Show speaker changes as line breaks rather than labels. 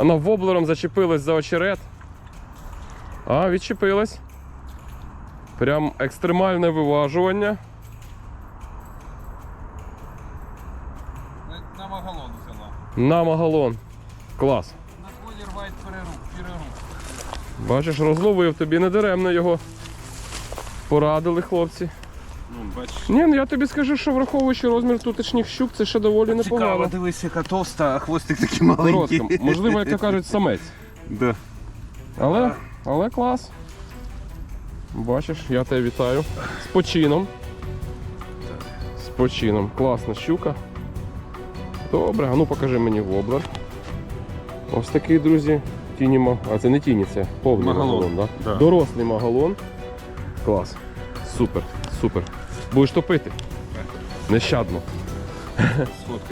Вона воблером зачепилась за очерет. А, відчепилась. Прям екстремальне виважування.
На магалон взяла.
На магалон. Клас.
На колір вайт перерух.
Бачиш, розловив тобі, не даремно його порадили хлопці.
Ну, бачиш.
Ні, ну я тобі скажу, що враховуючи розмір тутешніх щук, це ще доволі непогано.
Цікаво, дивись, яка товста, а хвостик такий маленький.
Коротка. Можливо, як то кажуть, самець.
Да.
Але клас. Бачиш, я тебе вітаю. З почином. З почином. Класна щука. Добре, а ну покажи мені воблер. Ось такий, друзі, тіні. А це не тіні, це повний магалон, да?
Да.
Дорослий магалон. Клас. Супер, супер. Будеш топити? Нещадно.